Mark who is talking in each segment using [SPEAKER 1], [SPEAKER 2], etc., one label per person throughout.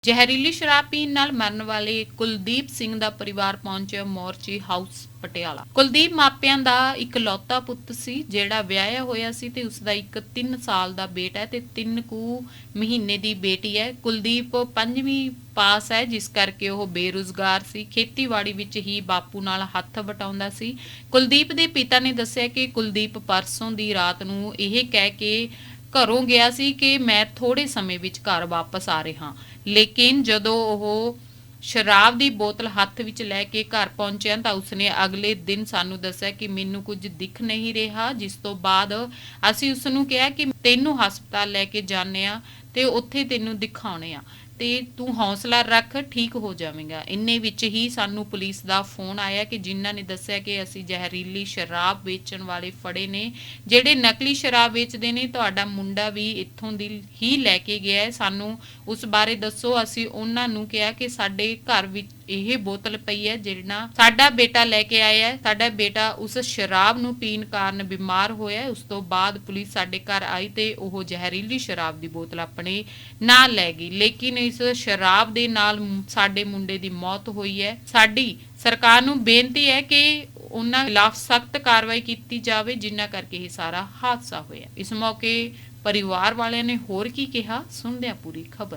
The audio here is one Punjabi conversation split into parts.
[SPEAKER 1] ਜ਼ਹਿਰੀਲੀ ਸ਼ਰਾਬ ਪੀਣ ਨਾਲ ਮਰਨ ਵਾਲੇ ਕੁਲਦੀਪ ਸਿੰਘ ਦਾ ਪਰਿਵਾਰ ਪਹੁੰਚਿਆ ਮੋਰਚੀ ਹਾਊਸ ਪਟਿਆਲਾ। ਕੁਲਦੀਪ ਮਾਪਿਆਂ ਦਾ ਇਕਲੌਤਾ ਪੁੱਤ ਸੀ ਜਿਹੜਾ ਵਿਆਹਿਆ ਹੋਇਆ ਸੀ ਤੇ ਉਸ ਦਾ ਇੱਕ 3 ਸਾਲ ਦਾ ਬੇਟਾ ਹੈ ਤੇ 3 ਕੁ ਮਹੀਨੇ ਦੀ ਬੇਟੀ ਹੈ। ਕੁਲਦੀਪ 5ਵੀਂ ਪਾਸ ਹੈ, ਜਿਸ ਕਰਕੇ ਉਹ ਬੇਰੁਜ਼ਗਾਰ ਸੀ। ਖੇਤੀਬਾੜੀ ਵਿੱਚ ਹੀ ਬਾਪੂ ਨਾਲ ਹੱਥ ਵਟਾਉਂਦਾ ਸੀ। ਕੁਲਦੀਪ ਦੇ ਪਿਤਾ ਨੇ ਦੱਸਿਆ ਕਿ ਕੁਲਦੀਪ ਪਰਸੋਂ ਦੀ ਰਾਤ ਨੂੰ ਇਹ ਕਹਿ ਕੇ ਘਰੋਂ ਗਿਆ ਸੀ ਕਿ ਮੈਂ ਥੋੜੇ ਸਮੇਂ ਵਿੱਚ ਘਰ ਵਾਪਸ ਆ ਰਿਹਾ, ਲੇਕਿਨ ਜਦੋਂ ਉਹ ਸ਼ਰਾਬ ਦੀ ਬੋਤਲ ਹੱਥ ਵਿੱਚ ਲੈ ਕੇ ਘਰ ਪਹੁੰਚਿਆ ਤਾਂ ਉਸਨੇ ਅਗਲੇ ਦਿਨ ਸਾਨੂੰ ਦੱਸਿਆ ਕਿ ਮੈਨੂੰ ਕੁਝ ਦਿਖ ਨਹੀਂ ਰਿਹਾ। ਜਿਸ ਤੋਂ ਬਾਅਦ ਅਸੀਂ ਉਸ ਨੂੰ ਕਿਹਾ ਕਿ ਤੈਨੂੰ ਹਸਪਤਾਲ ਲੈ ਕੇ ਜਾਂਦੇ ਆ ਤੇ ਉੱਥੇ ਤੈਨੂੰ ਦਿਖਾਉਣੇ ਆ ਤੇ ਤੂੰ ਹੌਸਲਾ ਰੱਖ, ਠੀਕ ਹੋ ਜਾਵੇਗਾ। ਇੰਨੇ ਵਿੱਚ ਹੀ ਸਾਨੂੰ ਪੁਲਿਸ ਦਾ ਫੋਨ ਆਇਆ ਕਿ ਜਿਨ੍ਹਾਂ ਨੇ ਦੱਸਿਆ ਕਿ ਅਸੀਂ ਜ਼ਹਿਰੀਲੀ ਸ਼ਰਾਬ ਵੇਚਣ ਵਾਲੇ ਫੜੇ ਨੇ, ਜਿਹੜੇ ਨਕਲੀ ਸ਼ਰਾਬ ਵੇਚਦੇ ਨੇ। ਤੁਹਾਡਾ ਮੁੰਡਾ ਵੀ ਇੱਥੋਂ ਦੀ ਹੀ ਲੈ ਕੇ ਗਿਆ ਹੈ, ਸਾਨੂੰ ਉਸ ਬਾਰੇ ਦੱਸੋ। ਅਸੀਂ ਉਹਨਾਂ ਨੂੰ ਕਿਹਾ ਕਿ ਸਾਡੇ ਘਰ ਵਿੱਚ ਇਹ ਬੋਤਲ ਪਈ ਹੈ ਜਿਹੜਾ ਸਾਡਾ ਬੇਟਾ ਲੈ ਕੇ ਆਇਆ ਹੈ। ਸਾਡਾ ਬੇਟਾ ਉਸ ਸ਼ਰਾਬ ਨੂੰ ਪੀਣ ਕਾਰਨ ਬਿਮਾਰ ਹੋਇਆ। ਉਸ ਤੋਂ ਬਾਅਦ ਪੁਲਿਸ ਸਾਡੇ ਘਰ ਆਈ ਤੇ ਉਹ ਜ਼ਹਿਰੀਲੀ ਸ਼ਰਾਬ ਦੀ ਬੋਤਲ ਆਪਣੇ ਨਾਲ ਲੈ ਗਈ, ਲੇਕਿਨ ਇਸ ਸ਼ਰਾਬ ਦੇ ਨਾਲ ਸਾਡੇ ਮੁੰਡੇ ਦੀ ਮੌਤ ਹੋਈ ਹੈ। ਸਾਡੀ ਸਰਕਾਰ ਨੂੰ ਬੇਨਤੀ ਹੈ ਕਿ ਉਹਨਾਂ ਖਿਲਾਫ ਸਖਤ ਕਾਰਵਾਈ ਕੀਤੀ ਜਾਵੇ, ਜਿਨ੍ਹਾਂ ਕਰਕੇ ਇਹ ਸਾਰਾ ਹਾਦਸਾ ਹੋਇਆ। ਇਸ ਮੌਕੇ ਪਰਿਵਾਰ ਵਾਲਿਆਂ ਨੇ ਹੋਰ ਕੀ ਕਿਹਾ, ਸੁਣਦੇ ਹਾਂ ਪੂਰੀ ਖਬਰ।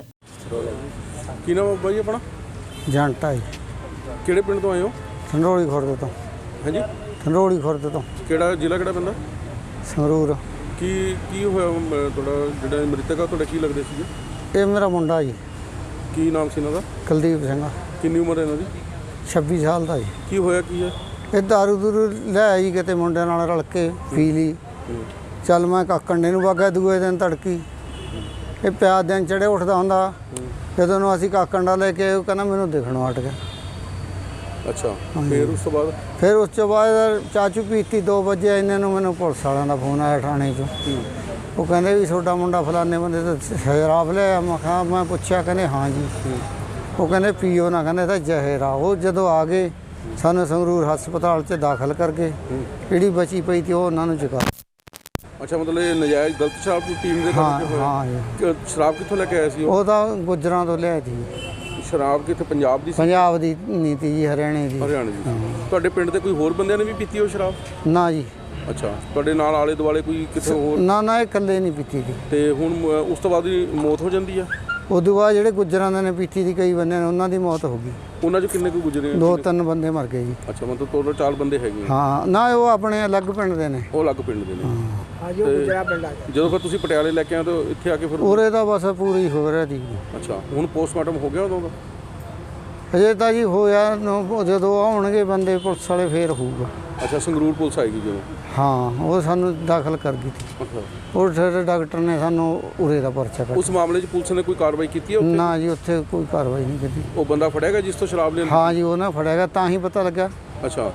[SPEAKER 2] ਕੀ ਨਾਮ ਹੈ ਬਾਈ ਆਪਣਾ?
[SPEAKER 3] ਜੰਟਾ ਜੀ।
[SPEAKER 2] ਕਿਹੜੇ ਪਿੰਡ ਤੋਂ ਆਏ ਹੋ?
[SPEAKER 3] ਸੰਗਰੂਰ ਖੁਰਦ ਤੋਂ।
[SPEAKER 2] ਹਾਂਜੀ,
[SPEAKER 3] ਸੰਗਰੂਰ ਖੁਰਦ ਤੋਂ।
[SPEAKER 2] ਕਿਹੜਾ ਜ਼ਿਲ੍ਹਾ, ਕਿਹੜਾ ਪੈਂਦਾ?
[SPEAKER 3] ਸੰਗਰੂਰ।
[SPEAKER 2] ਕੀ ਹੋਇਆ ਤੁਹਾਡਾ ਜਿਹੜਾ ਮ੍ਰਿਤਕ ਆ, ਤੁਹਾਡਾ ਕੀ ਲੱਗਦੇ ਸੀਗੇ?
[SPEAKER 3] ਇਹ ਮੇਰਾ ਮੁੰਡਾ ਜੀ।
[SPEAKER 2] ਕੀ ਨਾਮ ਸੀ ਇਹਨਾਂ ਦਾ?
[SPEAKER 3] ਕੁਲਦੀਪ ਸਿੰਘ।
[SPEAKER 2] ਕਿੰਨੀ ਉਮਰ ਹੈ ਇਹਨਾਂ ਦੀ?
[SPEAKER 3] 26 ਸਾਲ ਦਾ ਜੀ।
[SPEAKER 2] ਕੀ ਹੋਇਆ ਕੀ ਹੈ?
[SPEAKER 3] ਇਹ ਦਾਰੂ ਦੂਰੂ ਲੈ ਆਈ ਕਿਤੇ ਮੁੰਡਿਆਂ ਨਾਲ ਰਲ ਕੇ ਪੀ ਲਈ। ਚੱਲ ਮੈਂ ਕਾਕੰਡੇ ਨੂੰ ਵਗਾ ਦੂਏ ਦਿਨ ਤੜਕੀ ਇਹ ਪਿਆ ਦਿਨ ਚੜੇ ਉੱਠਦਾ ਹੁੰਦਾ। ਜਦੋਂ ਨੂੰ ਅਸੀਂ ਕਾਕੰਡਾ ਲੈ ਕੇ ਉਹ ਕਹਿੰਦਾ ਮੈਨੂੰ ਦਿਖਣੋਂ ਹਟ ਗਿਆ।
[SPEAKER 2] ਅੱਛਾ, ਫਿਰ ਉਸ ਤੋਂ ਬਾਅਦ?
[SPEAKER 3] ਫਿਰ ਉਸ ਤੋਂ ਬਾਅਦ ਚਾਚੂ ਪੀਤੀ 2 ਵਜੇ ਇਹਨਾਂ ਨੂੰ ਮੈਨੂੰ ਪੁਲਿਸ ਵਾਲਿਆਂ ਦਾ ਫੋਨ ਆਇਆ ਥਾਣੇ 'ਚੋਂ। ਉਹ ਕਹਿੰਦੇ ਵੀ ਤੁਹਾਡਾ ਮੁੰਡਾ ਫਲਾਣੇ ਬੰਦੇ ਤੋਂ ਸ਼ਰਾਬ ਲਿਆ। ਮੈਂ ਪੁੱਛਿਆ, ਕਹਿੰਦੇ ਹਾਂ ਜੀ। ਉਹ ਕਹਿੰਦੇ ਪੀਓ ਨਾ, ਕਹਿੰਦੇ ਤਾਂ ਜ਼ਹਿਰ ਆ। ਉਹ ਜਦੋਂ ਆ ਗਏ ਸਾਨੂੰ ਸੰਗਰੂਰ ਹਸਪਤਾਲ 'ਚ ਦਾਖਲ ਕਰਕੇ ਜਿਹੜੀ ਬਚੀ ਪਈ ਤੀ ਉਹ ਉਹਨਾਂ ਨੂੰ ਚੁਕਾ।
[SPEAKER 2] ਅੱਛਾ, ਮਤਲਬ ਇਹ ਨਜਾਇਜ਼ ਗਲਤ ਸ਼ਰਾਬ ਪੀਣ ਦੇ ਕਰਕੇ ਹੋਇਆ?
[SPEAKER 3] ਹਾਂ ਜੀ।
[SPEAKER 2] ਸ਼ਰਾਬ ਕਿੱਥੋਂ ਲੈ ਕੇ ਆਏ ਸੀ
[SPEAKER 3] ਉਹ ਤਾਂ ਗੁੱਜਰਾਂ ਤੋਂ ਲਿਆਈ ਸੀ।
[SPEAKER 2] ਸ਼ਰਾਬ ਕਿੱਥੇ, ਪੰਜਾਬ ਦੀ ਸੀ?
[SPEAKER 3] ਪੰਜਾਬ ਦੀ ਨਹੀਂ ਤੀ ਜੀ, ਹਰਿਆਣੇ ਦੀ।
[SPEAKER 2] ਹਰਿਆਣੇ ਦੀ। ਤੁਹਾਡੇ ਪਿੰਡ ਦੇ ਕੋਈ ਹੋਰ ਬੰਦਿਆਂ ਨੇ ਵੀ ਪੀਤੀ ਉਹ ਸ਼ਰਾਬ?
[SPEAKER 3] ਨਾ ਜੀ।
[SPEAKER 2] ਅੱਛਾ, ਤੁਹਾਡੇ ਨਾਲ ਆਲੇ ਦੁਆਲੇ ਕੋਈ ਕਿਤੇ ਹੋਰ?
[SPEAKER 3] ਨਾ ਇਹ ਇਕੱਲੇ ਨਹੀਂ ਪੀਤੀ ਸੀ।
[SPEAKER 2] ਤੇ ਹੁਣ ਉਸ ਤੋਂ ਬਾਅਦ ਹੀ ਮੌਤ ਹੋ ਜਾਂਦੀ ਆ?
[SPEAKER 3] ਉਦੋਂ ਬਾਅਦ ਜਿਹੜੇ ਗੁੱਜਰਾਂ ਦੇ ਨੇ ਪੀਤੀ ਸੀ ਕਈ ਬੰਦੇ ਨੇ, ਉਹਨਾਂ ਦੀ ਮੌਤ ਹੋ ਗਈ।
[SPEAKER 2] ਉਹਨਾਂ 'ਚ ਕਿੰਨੇ ਕੁ ਗੁਜ਼ਰੇ?
[SPEAKER 3] 2-3 ਬੰਦੇ ਮਰ ਗਏ ਜੀ।
[SPEAKER 2] ਅੱਛਾ, ਮਤਲਬ ਟੋਟਲ 4 ਬੰਦੇ ਹੈਗੇ?
[SPEAKER 3] ਹਾਂ, ਨਾ ਉਹ ਆਪਣੇ ਅਲੱਗ ਪਿੰਡ ਦੇ ਨੇ।
[SPEAKER 2] ਉਹ ਅਲੱਗ ਪਿੰਡ ਦੇ ਨੇ?
[SPEAKER 3] ਹਾਂਜੀ, ਉਹ ਗੁਜਰਾ ਪਿੰਡ ਆ।
[SPEAKER 2] ਜਦੋਂ ਫਿਰ ਤੁਸੀਂ ਪਟਿਆਲੇ ਲੈ ਕੇ ਆਏ ਤਾਂ ਇੱਥੇ ਆ ਕੇ ਫਿਰ
[SPEAKER 3] ਉਰੇ ਦਾ ਬਸ ਪੂਰੀ ਹੋ ਰਿਹਾ ਸੀ।
[SPEAKER 2] ਅੱਛਾ, ਹੁਣ ਪੋਸਟਮਾਰਟਮ ਹੋ ਗਿਆ ਉਦੋਂ ਦਾ?
[SPEAKER 3] ਅਜੇ ਤਾਂ ਜੀ ਹੋਇਆ ਜਦੋਂ ਆਉਣਗੇ ਬੰਦੇ ਪੁਲਿਸ ਵਾਲੇ ਫੇਰ ਹੋਊਗਾ।
[SPEAKER 2] ਅੱਛਾ, ਸੰਗਰੂਰ ਪੁਲਿਸ ਆਏਗੀ ਜਦੋਂ?
[SPEAKER 3] ਹਾਂ, ਉਹ ਸਾਨੂੰ ਦਾਖਲ ਕਰ ਗਈ ਸੀ।
[SPEAKER 2] ਅੱਛਾ,
[SPEAKER 3] ਉਹ ਫਿਰ ਡਾਕਟਰ ਨੇ ਸਾਨੂੰ ਉਰੇ ਦਾ ਪਰਚਾ ਕੱਟ।
[SPEAKER 2] ਉਸ ਮਾਮਲੇ 'ਚ ਪੁਲਿਸ ਨੇ ਕੋਈ ਕਾਰਵਾਈ ਕੀਤੀ ਹੈ ਉੱਥੇ?
[SPEAKER 3] ਨਾ ਜੀ, ਉੱਥੇ ਕੋਈ ਕਾਰਵਾਈ ਨਹੀਂ ਕੀਤੀ।
[SPEAKER 2] ਉਹ ਬੰਦਾ ਫੜਿਆ ਗਿਆ ਜਿਸ ਤੋਂ ਸ਼ਰਾਬ ਲਿਆਂਦੀ?
[SPEAKER 3] ਹਾਂ ਜੀ, ਉਹ ਨਾ ਫੜਿਆ ਗਿਆ ਤਾਂ ਹੀ ਪਤਾ ਲੱਗਾ
[SPEAKER 2] ਅੱਛਾ,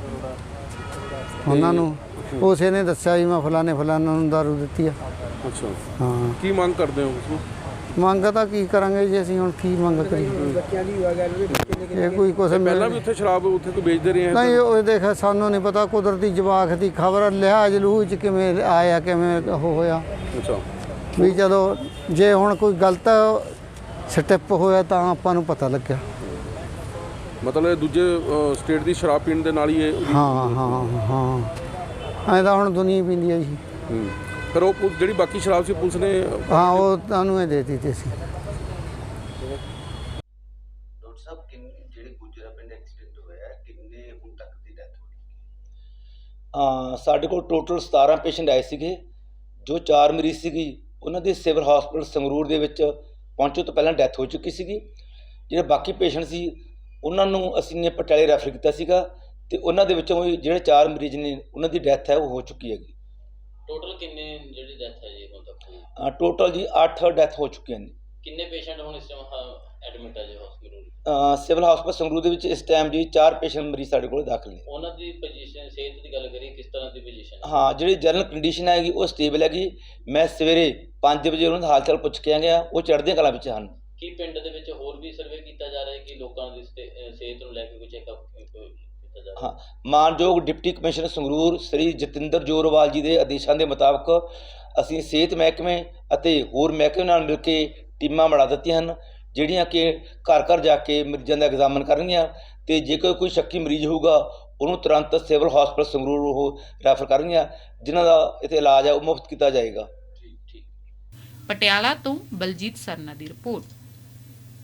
[SPEAKER 3] ਉਹਨਾਂ ਨੂੰ। ਉਸੇ ਨੇ ਦੱਸਿਆ ਜੀ ਮੈਂ ਫਲਾਣੇ ਨੂੰ ਦਾਰੂ ਦਿੱਤੀ ਆ।
[SPEAKER 2] ਅੱਛਾ।
[SPEAKER 3] ਹਾਂ,
[SPEAKER 2] ਕੀ ਮੰਗ ਕਰਦੇ ਹੋ ਤੁਸੀਂ?
[SPEAKER 3] ਮੰਗ ਤਾਂ ਕੀ ਕਰਾਂਗੇ ਜੀ ਅਸੀਂ, ਹੁਣ ਕੀ ਮੰਗ ਕਰੀਏ? ਇਹ ਕੋਈ ਕੁਛ
[SPEAKER 2] ਪਹਿਲਾਂ ਵੀ ਉੱਥੇ ਸ਼ਰਾਬ ਉੱਥੇ ਕੋਈ ਵੇਚਦੇ ਰਹੇ ਆ?
[SPEAKER 3] ਨਹੀਂ, ਉਹ ਦੇਖ ਸਾਨੂੰ ਨਹੀਂ ਪਤਾ, ਕੁਦਰਤੀ ਜਵਾਕ ਦੀ ਖਬਰ ਲਿਹਾਜ਼ ਲੂਹ 'ਚ ਕਿਵੇਂ ਆਇਆ, ਕਿਵੇਂ ਉਹ ਹੋਇਆ
[SPEAKER 2] ਅੱਛਾ,
[SPEAKER 3] ਵੀ ਚਲੋ ਜੇ ਹੁਣ ਕੋਈ ਗਲਤ ਸਟੈਪ ਹੋਇਆ ਤਾਂ ਆਪਾਂ ਨੂੰ ਪਤਾ ਲੱਗਿਆ।
[SPEAKER 2] ਮਤਲਬ ਦੂਜੇ ਸਟੇਟ ਦੀ ਸ਼ਰਾਬ ਪੀਣ ਦੇ ਨਾਲ ਹੀ ਇਹ?
[SPEAKER 3] ਹਾਂ ਐਂ ਤਾਂ ਹੁਣ ਦੁਨੀਆ ਪੀਂਦੀ ਹੈ ਜੀ।
[SPEAKER 2] ਫਿਰ ਉਹ ਜਿਹੜੀ ਬਾਕੀ ਸ਼ਰਾਬ ਸੀ ਪੁਲਿਸ ਨੇ?
[SPEAKER 3] ਹਾਂ, ਉਹ ਤੁਹਾਨੂੰ ਇਹ ਦੇ ਦਿੱਤੀ ਸੀ।
[SPEAKER 4] ਡਾਕਟਰ ਸਾਹਿਬ, ਜਿਹੜੇ ਗੁਜਰਾ ਪਿੰਡ ਐਕਸੀਡੈਂਟ ਹੋਇਆ ਕਿੰਨੇ ਹੁਣ ਤੱਕ ਦੀ ਡੈਥ ਹੋਈ? ਸਾਡੇ ਕੋਲ ਟੋਟਲ 17 ਪੇਸ਼ੈਂਟ ਆਏ ਸੀਗੇ। ਜੋ 4 ਮਰੀਜ਼ ਸੀਗੀ ਉਹਨਾਂ ਦੀ ਸਿਵਲ ਹਸਪੀਟਲ ਸੰਗਰੂਰ ਦੇ ਵਿੱਚ ਪਹੁੰਚਣ ਤੋਂ ਪਹਿਲਾਂ ਡੈਥ ਹੋ ਚੁੱਕੀ ਸੀਗੀ। ਜਿਹੜੇ ਬਾਕੀ ਪੇਸ਼ੈਂਟ ਸੀ ਉਹਨਾਂ ਨੂੰ ਅਸੀਂ ਨੇ ਪਟਿਆਲੇ ਰੈਫਰ ਕੀਤਾ ਸੀਗਾ ਤੇ ਉਹਨਾਂ ਦੇ ਵਿੱਚੋਂ ਜਿਹੜੇ 4 ਮਰੀਜ਼ ਨੇ ਉਹਨਾਂ ਦੀ ਡੈਥ ਹੈ ਉਹ ਹੋ ਚੁੱਕੀ ਹੈਗੀ।
[SPEAKER 5] ਟੋਟਲ ਕਿੰਨੇ ਜਿਹੜੀ ਡੈਥ ਹੈ ਜੀ ਹੁਣ ਤੱਕ?
[SPEAKER 4] ਟੋਟਲ ਜੀ 8 ਡੈਥ ਹੋ ਚੁੱਕੀਆਂ ਨੇ।
[SPEAKER 5] ਕਿੰਨੇ ਪੇਸ਼ੈਂਟ ਹੁਣ ਇਸ ਟਾਈਮ ਐਡਮਿਟ ਹੈ ਜੀ ਹਸਪੀਟਲ?
[SPEAKER 4] ਸਿਵਲ ਹਸਪਤਾਲ ਸੰਗਰੂਰ ਦੇ ਵਿੱਚ ਇਸ ਟਾਈਮ ਜੀ 4 ਪੇਸ਼ੈਂਟ ਮਰੀਜ਼ ਸਾਡੇ ਕੋਲ ਦਾਖਲ ਨੇ।
[SPEAKER 5] ਉਹਨਾਂ ਦੀ ਪੋਜੀਸ਼ਨ, ਸਿਹਤ ਦੀ ਗੱਲ ਕਰੀਏ ਕਿਸ ਤਰ੍ਹਾਂ ਦੀ ਪੋਜੀਸ਼ਨ?
[SPEAKER 4] ਹਾਂ, ਜਿਹੜੀ ਜਨਰਲ ਕੰਡੀਸ਼ਨ ਹੈਗੀ ਉਹ ਸਟੇਬਲ ਹੈਗੀ। ਮੈਂ ਸਵੇਰੇ 5 ਵਜੇ ਉਹਨਾਂ ਦਾ ਹਾਲ ਚਾਲ ਪੁੱਛ ਕੇ ਆ ਗਿਆ, ਉਹ ਚੜ੍ਹਦੀਆਂ ਕਲਾਂ ਵਿੱਚ ਹਨ।
[SPEAKER 5] ਕੀ ਪਿੰਡ ਦੇ ਵਿੱਚ ਹੋਰ ਵੀ ਸਰਵੇ ਕੀਤਾ ਜਾ ਰਿਹਾ ਹੈ ਕਿ ਲੋਕਾਂ ਦੀ ਸਿਹਤ ਨੂੰ ਲੈ ਕੇ ਕੋਈ ਚੈੱਕਅਪ ਕੀਤਾ ਜਾ ਰਿਹਾ?
[SPEAKER 4] ਹਾਂ, ਮਾਨਯੋਗ ਡਿਪਟੀ ਕਮਿਸ਼ਨਰ ਸੰਗਰੂਰ ਸ੍ਰੀ ਜਤਿੰਦਰ ਜੋਰਵਾਲ ਜੀ ਦੇ ਆਦੇਸ਼ਾਂ ਦੇ ਮੁਤਾਬਕ ਅਸੀਂ ਸਿਹਤ ਮਹਿਕਮੇ ਅਤੇ ਹੋਰ ਮਹਿਕਮੇ ਨਾਲ ਮਿਲ ਕੇ ਟੀਮਾਂ ਬਣਾ ਦਿੱਤੀਆਂ ਹਨ। ਜਿਹੜੀਆਂ ਕਿ ਘਰ ਘਰ ਜਾ ਕੇ ਮਰੀਜ਼ਾਂ ਦਾ ਐਗਜ਼ਾਮਨ ਕਰਨਗੀਆਂ ਅਤੇ ਜੇਕਰ ਕੋਈ ਸ਼ੱਕੀ ਮਰੀਜ਼ ਹੋਊਗਾ ਉਹਨੂੰ ਤੁਰੰਤ ਸਿਵਲ ਹਸਪਤਾਲ ਸੰਗਰੂਰ ਉਹ ਰੈਫਰ ਕਰਨਗੀਆਂ, ਜਿਨ੍ਹਾਂ ਦਾ ਇੱਥੇ ਇਲਾਜ ਹੈ ਉਹ ਮੁਫਤ ਕੀਤਾ ਜਾਏਗਾ।
[SPEAKER 1] ਪਟਿਆਲਾ ਤੋਂ ਬਲਜੀਤ ਸਰਨਾ ਦੀ ਰਿਪੋਰਟ।